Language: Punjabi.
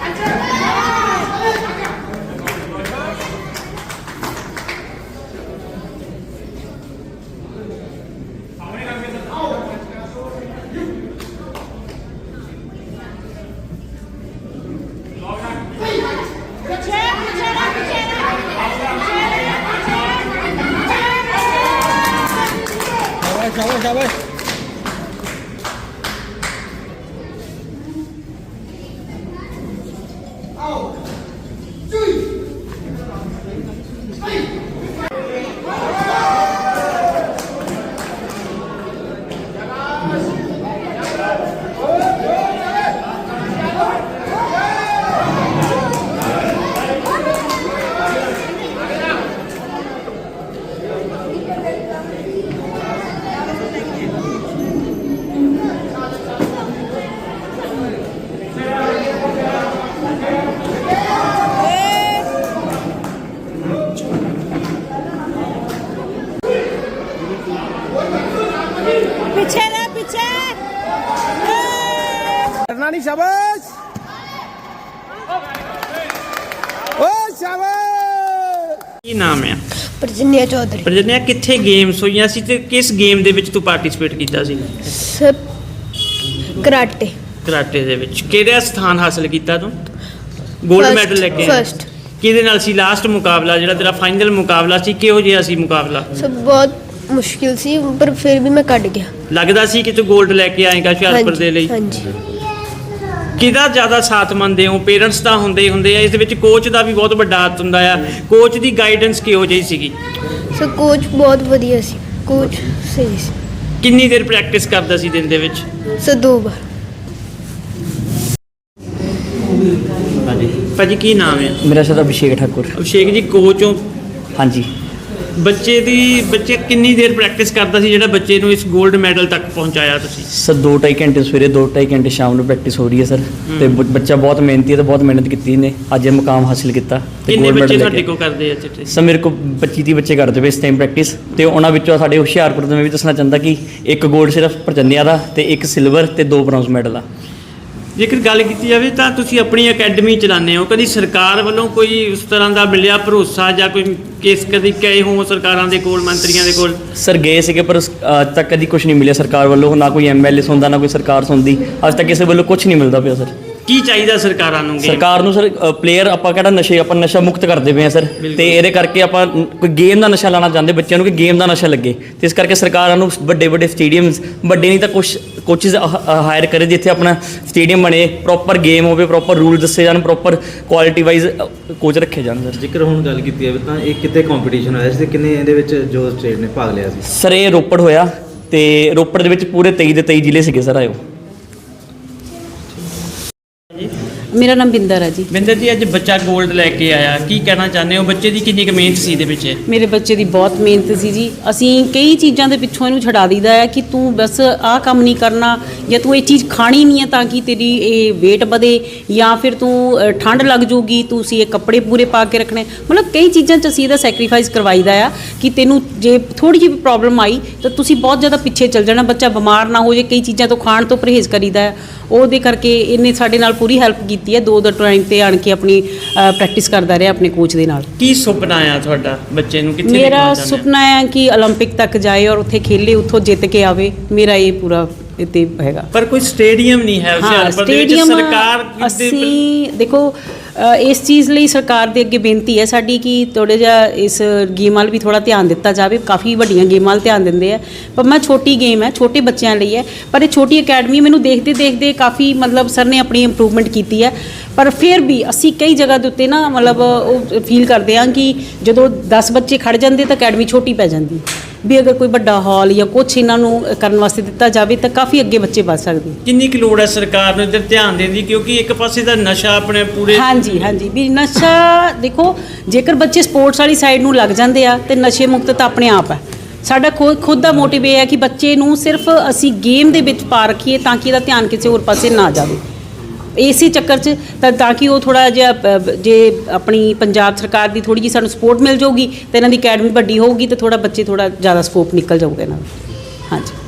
शाबाश पीछे रे पीछे करना नहीं शाबाश ओ शाबाश ਕੀ ਨਾਮ ਹੈ? प्रजन्या चौधरी ਪ੍ਰਜਨਿਆ ਕਿੱਥੇ ਗੇਮਸ ਹੋਈਆਂ ਸੀ ਤੇ ਕਿਸ ਗੇਮ ਦੇ ਵਿੱਚ ਤੂੰ ਪਾਰਟਿਸਿਪੇਟ ਕੀਤਾ ਸੀ? सब कराटे ਕਰਾਟੇ ਦੇ ਵਿੱਚ ਕਿਹੜਾ ਸਥਾਨ ਹਾਸਲ ਕੀਤਾ ਤੂੰ? 골ਡ ਮੈਡਲ ਲੈ ਕੇ ਆਇਆ? फर्स्ट ਕਿਹਦੇ ਨਾਲ ਸੀ ਲਾਸਟ ਮੁਕਾਬਲਾ ਜਿਹੜਾ ਤੇਰਾ ਫਾਈਨਲ ਮੁਕਾਬਲਾ ਸੀ? ਕਿਹੋ ਜਿਹਾ ਸੀ ਮੁਕਾਬਲਾ? सब बहुत मुश्किल सी पर फिर भी मैं कट गया ਲੱਗਦਾ ਸੀ ਕਿ ਤੂੰ 골ਡ ਲੈ ਕੇ ਆਏਗਾ ਹੁਸ਼ਿਆਰਪੁਰ ਦੇ ਲਈ? हाँ जी ਕਿਹਦਾ ਜ਼ਿਆਦਾ ਸਾਥ ਮੰਨਦੇ ਹੋ? ਪੇਰੈਂਟਸ ਦਾ ਹੁੰਦੇ ਆ, ਇਸ ਦੇ ਵਿੱਚ ਕੋਚ ਦਾ ਵੀ ਬਹੁਤ ਵੱਡਾ ਹੱਥ ਹੁੰਦਾ ਆ। ਕੋਚ ਦੀ ਗਾਈਡੈਂਸ ਕਿਹੋ ਜਿਹੀ ਸੀਗੀ? सो कोच बहुत वधिया सी कोच सही सी ਕਿੰਨੀ ਦੇਰ ਪ੍ਰੈਕਟਿਸ ਕਰਦਾ ਸੀ ਦਿਨ ਦੇ ਵਿੱਚ? सो 2 बार ਹਾਂਜੀ ਭਾਜੀ ਕੀ ਨਾਮ ਹੈ? ਮੇਰਾ ਸ਼ਬਦ ਅਭਿਸ਼ੇਕ ਠਾਕੁਰ। ਅਭਿਸ਼ੇਕ ਜੀ ਕੋਚ ਹੋ। ਹਾਂਜੀ ਬੱਚੇ ਕਿੰਨੀ ਦੇਰ ਪ੍ਰੈਕਟਿਸ ਕਰਦਾ ਸੀ ਜਿਹੜਾ ਬੱਚੇ ਨੂੰ ਇਸ 골ਡ ਮੈਡਲ ਤੱਕ ਪਹੁੰਚਾਇਆ ਤੁਸੀਂ? ਸਰ 2-2.5 ਘੰਟੇ ਸਵੇਰੇ 2-2.5 ਘੰਟੇ ਸ਼ਾਮ ਨੂੰ ਪ੍ਰੈਕਟਿਸ ਹੋ ਰਹੀ ਹੈ ਸਰ। ਤੇ ਬੱਚਾ ਬਹੁਤ ਮਿਹਨਤੀ ਹੈ ਤੇ ਬਹੁਤ ਮਿਹਨਤ ਕੀਤੀ ਨੇ, ਅੱਜ ਇਹ ਮੁਕਾਮ ਹਾਸਿਲ ਕੀਤਾ ਤੇ ਕਿੰਨੇ 골ਡ ਬੱਚੇ ਮੈਡਲ ਤੁਹਾਡੇ ਕੋਲ ਕਰਦੇ ਆ ਚਿੱਟੇ? ਸਰ ਮੇਰੇ ਕੋਲ 25-30 ਬੱਚੇ ਕਰਦੇ ਪਏ ਇਸ ਟਾਈਮ ਪ੍ਰੈਕਟਿਸ, ਤੇ ਉਹਨਾਂ ਵਿੱਚੋਂ ਸਾਡੇ ਹੁਸ਼ਿਆਰਪੁਰ ਤੋਂ ਮੈਂ ਵੀ ਦੱਸਣਾ ਚਾਹੁੰਦਾ ਕਿ ਇੱਕ 골ਡ ਸਿਰਫ ਪ੍ਰਜੰਨਿਆ ਦਾ ਤੇ ਇੱਕ ਸਿਲਵਰ ਤੇ 2 ਬ੍ਰੌਂਜ਼ ਮੈਡਲ ਆ। ਜੇਕਰ ਗੱਲ ਕੀਤੀ ਜਾਵੇ ਤਾਂ ਤੁਸੀਂ ਆਪਣੀ ਅਕੈਡਮੀ ਚਲਾਉਂਦੇ ਹੋ, ਕਦੀ ਸਰਕਾਰ ਵੱਲੋਂ ਕੋਈ ਉਸ ਤਰ੍ਹਾਂ ਦਾ ਮਿਲਿਆ ਭਰੋਸਾ ਜਾਂ ਕੋਈ ਕੇਸ ਕਦੀ ਗਏ ਹੋ ਸਰਕਾਰਾਂ ਦੇ ਕੋਲ, ਮੰਤਰੀਆਂ ਦੇ ਕੋਲ? ਸਰ ਗਏ ਸੀਗੇ ਪਰ ਅੱਜ ਤੱਕ ਕਦੀ ਕੁਝ ਨਹੀਂ ਮਿਲਿਆ ਸਰਕਾਰ ਵੱਲੋਂ, ਨਾ ਕੋਈ ਐਮਐਲਏ ਸੁਣਦਾ ਨਾ ਕੋਈ ਸਰਕਾਰ ਸੁਣਦੀ, ਅੱਜ ਤੱਕ ਕਿਸੇ ਵੱਲੋਂ ਕੁਝ ਨਹੀਂ ਮਿਲਦਾ ਪਿਆ ਸਰ। ਕੀ ਚਾਹੀਦਾ ਸਰਕਾਰਾਂ ਨੂੰ? ਸਰਕਾਰ ਨੂੰ ਸਰ ਪਲੇਅਰ ਆਪਾਂ ਕਿਹੜਾ ਆਪਾਂ ਨਸ਼ਾ ਮੁਕਤ ਕਰਦੇ ਪਏ ਆ ਸਰ, ਤੇ ਇਹਦੇ ਕਰਕੇ ਆਪਾਂ ਕੋਈ ਗੇਮ ਦਾ ਨਸ਼ਾ ਲਾਣਾ ਚਾਹੁੰਦੇ ਬੱਚਿਆਂ ਨੂੰ ਕਿ ਗੇਮ ਦਾ ਨਸ਼ਾ ਲੱਗੇ, ਤੇ ਇਸ ਕਰਕੇ ਸਰਕਾਰਾਂ ਨੂੰ ਵੱਡੇ ਵੱਡੇ ਸਟੇਡੀਅਮਸ, ਵੱਡੇ ਨਹੀਂ ਤਾਂ ਕੁਛ ਕੋਚਿਸ ਹਾਇਰ ਕਰੇ ਜਿੱਥੇ ਆਪਣਾ ਸਟੇਡੀਅਮ ਬਣੇ, ਪ੍ਰੋਪਰ ਗੇਮ ਹੋਵੇ, ਪ੍ਰੋਪਰ ਰੂਲ ਦੱਸੇ ਜਾਣ, ਪ੍ਰੋਪਰ ਕੁਆਲਿਟੀ ਵਾਈਜ਼ ਕੋਚ ਰੱਖੇ ਜਾਣ ਸਰ। ਜੇਕਰ ਹੁਣ ਗੱਲ ਕੀਤੀ ਜਾਵੇ ਤਾਂ ਇਹ ਕਿਤੇ ਕੰਪੀਟੀਸ਼ਨ ਹੋਇਆ ਸੀ ਤੇ ਕਿੰਨੇ ਇਹਦੇ ਵਿੱਚ ਜੋ ਸਟੇਟ ਨੇ ਭਾਗ ਲਿਆ ਸੀ? ਸਰ ਇਹ ਰੋਪੜ ਹੋਇਆ ਤੇ ਰੋਪੜ ਦੇ ਵਿੱਚ ਪੂਰੇ 23 ਦੇ 23 ਜ਼ਿਲ੍ਹੇ ਸੀਗੇ ਸਰ ਆਇਓ। ਮੇਰਾ ਨਾਮ ਬਿੰਦਰ ਹੈ ਜੀ। ਬਿੰਦਰ ਜੀ ਅੱਜ ਬੱਚਾ 골ਡ ਲੈ ਕੇ ਆਇਆ, ਕੀ ਕਹਿਣਾ ਚਾਹੁੰਦੇ ਹੋ? ਬੱਚੇ ਦੀ ਕਿੰਨੀ ਕੁ ਮਿਹਨਤ ਸੀ ਇਹਦੇ ਵਿੱਚ? ਮੇਰੇ ਬੱਚੇ ਦੀ ਬਹੁਤ ਮਿਹਨਤ ਸੀ ਜੀ। ਅਸੀਂ ਕਈ ਚੀਜ਼ਾਂ ਦੇ ਪਿੱਛੋਂ ਇਹਨੂੰ ਛਡਾ ਦਈਦਾ ਹੈ ਕਿ ਤੂੰ ਬਸ ਆਹ ਕੰਮ ਨਹੀਂ ਕਰਨਾ, ਜਾਂ ਤੂੰ ਇਹ ਚੀਜ਼ ਖਾਣੀ ਨਹੀਂ ਹੈ ਤਾਂ ਕਿ ਤੇਰੀ ਇਹ weight ਵਧੇ, ਜਾਂ ਫਿਰ ਤੂੰ ਠੰਡ ਲੱਗ ਜਾਊਗੀ, ਤੁਸੀਂ ਇਹ ਕੱਪੜੇ ਪੂਰੇ ਪਾ ਕੇ ਰੱਖਣੇ। ਮਤਲਬ ਕਈ ਚੀਜ਼ਾਂ 'ਚ ਅਸੀਂ ਇਹਦਾ ਸੈਕਰੀਫਾਈਸ ਕਰਵਾਈਦਾ ਆ ਕਿ ਤੈਨੂੰ ਜੇ ਥੋੜ੍ਹੀ ਜਿਹੀ ਪ੍ਰੋਬਲਮ ਆਈ ਤਾਂ ਤੁਸੀਂ ਬਹੁਤ ਜ਼ਿਆਦਾ ਪਿੱਛੇ ਚੱਲ ਜਾਣਾ, ਬੱਚਾ ਬਿਮਾਰ ਨਾ ਹੋ ਜੇ। ਕਈ ਚੀਜ਼ਾਂ ਤੋਂ ਖਾਣ ਤੋਂ ਪਰਹੇਜ਼ ਕਰੀਦਾ ਹੈ, ਉਹਦੇ ਕਰਕੇ ਇਹਨੇ ਸਾਡੇ ਨਾਲ ਪੂਰੀ ਹੈਲਪ ਕੀਤੀ ਹੈ। 2 ਟਾਈਮ ਤੇ ਆਣ ਕੇ ਆਪਣੀ ਪ੍ਰੈਕਟਿਸ ਕਰਦਾ ਰਿਹਾ ਆਪਣੇ ਕੋਚ ਦੇ ਨਾਲ। ਕੀ ਸੁਪਨਾ ਆ ਤੁਹਾਡਾ ਬੱਚੇ ਨੂੰ? ਕਿੱਥੇ ਮੇਰਾ ਸੁਪਨਾ ਹੈ ਕਿ 올림픽 ਤੱਕ ਜਾਏ ਔਰ ਉੱਥੇ ਖੇਲੇ, ਉੱਥੋਂ ਜਿੱਤ ਕੇ ਆਵੇ। ਮੇਰਾ ਇਹ ਪੂਰਾ ਇੱਥੇ ਹੈਗਾ। ਪਰ ਕੋਈ ਸਟੇਡੀਅਮ ਨਹੀਂ ਹੈ ਹੁਸ਼ਿਆਰਪੁਰ ਦੇ ਵਿੱਚ। ਸਰਕਾਰ ਅਸੀਂ ਦੇਖੋ ਇਸ ਚੀਜ਼ ਲਈ ਸਰਕਾਰ ਦੇ ਅੱਗੇ ਬੇਨਤੀ ਹੈ ਸਾਡੀ ਕਿ ਥੋੜ੍ਹਾ ਜਿਹਾ ਇਸ ਗੇਮ ਵੱਲ ਵੀ ਥੋੜ੍ਹਾ ਧਿਆਨ ਦਿੱਤਾ ਜਾਵੇ। ਕਾਫੀ ਵੱਡੀਆਂ ਗੇਮਾਂ ਵੱਲ ਧਿਆਨ ਦਿੰਦੇ ਆ, ਪਰ ਮੈਂ ਛੋਟੀ ਗੇਮ ਹੈ, ਛੋਟੇ ਬੱਚਿਆਂ ਲਈ ਹੈ, ਪਰ ਇਹ ਛੋਟੀ ਅਕੈਡਮੀ ਮੈਨੂੰ ਦੇਖਦੇ ਕਾਫੀ ਮਤਲਬ ਸਰ ਨੇ ਆਪਣੀ ਇੰਪਰੂਵਮੈਂਟ ਕੀਤੀ ਹੈ। ਪਰ ਫਿਰ ਵੀ ਅਸੀਂ ਕਈ ਜਗ੍ਹਾ ਦੇ ਉੱਤੇ ਨਾ ਮਤਲਬ ਉਹ ਫੀਲ ਕਰਦੇ ਹਾਂ ਕਿ ਜਦੋਂ 10 ਬੱਚੇ ਖੜ੍ਹ ਜਾਂਦੇ ਤਾਂ ਅਕੈਡਮੀ ਛੋਟੀ ਪੈ ਜਾਂਦੀ, ਵੀ ਅਗਰ ਕੋਈ ਵੱਡਾ ਹਾਲ ਜਾਂ ਕੁਛ ਇਹਨਾਂ ਨੂੰ ਕਰਨ ਵਾਸਤੇ ਦਿੱਤਾ ਜਾਵੇ ਤਾਂ ਕਾਫੀ ਅੱਗੇ ਬੱਚੇ ਵੱਧ ਸਕਦੇ। ਕਿੰਨੀ ਕੁ ਲੋੜ ਹੈ ਸਰਕਾਰ ਨੂੰ ਇੱਧਰ ਧਿਆਨ ਦੇਣ ਦੀ, ਕਿਉਂਕਿ ਇੱਕ ਪਾਸੇ ਦਾ ਨਸ਼ਾ ਆਪਣੇ ਪੂਰੇ ਹਾਂਜੀ ਵੀ ਨਸ਼ਾ ਦੇਖੋ, ਜੇਕਰ ਬੱਚੇ ਸਪੋਰਟਸ ਵਾਲੀ ਸਾਈਡ ਨੂੰ ਲੱਗ ਜਾਂਦੇ ਆ ਤੇ ਨਸ਼ੇ ਮੁਕਤ ਤਾਂ ਆਪਣੇ ਆਪ ਹੈ। ਸਾਡਾ ਖੁਦ ਦਾ ਮੋਟਿਵ ਇਹ ਹੈ ਕਿ ਬੱਚੇ ਨੂੰ ਸਿਰਫ ਅਸੀਂ ਗੇਮ ਦੇ ਵਿੱਚ ਪਾ ਰੱਖੀਏ ਤਾਂ ਕਿ ਇਹਦਾ ਧਿਆਨ ਕਿਸੇ ਹੋਰ ਪਾਸੇ ਨਾ ਜਾਵੇ, ਇਸੇ ਚੱਕਰ 'ਚ ਤਾਂ ਕਿ ਉਹ ਥੋੜ੍ਹਾ ਜਿਹਾ ਜੇ ਆਪਣੀ ਪੰਜਾਬ ਸਰਕਾਰ ਦੀ ਥੋੜ੍ਹੀ ਜਿਹੀ ਸਾਨੂੰ ਸਪੋਰਟ ਮਿਲ ਜਾਊਗੀ ਤਾਂ ਇਹਨਾਂ ਦੀ ਅਕੈਡਮੀ ਵੱਡੀ ਹੋਊਗੀ ਤਾਂ ਥੋੜ੍ਹਾ ਬੱਚੇ ਥੋੜ੍ਹਾ ਜ਼ਿਆਦਾ ਸਕੋਪ ਨਿਕਲ ਜਾਊਗਾ ਇਹਨਾਂ ਦਾ। ਹਾਂਜੀ।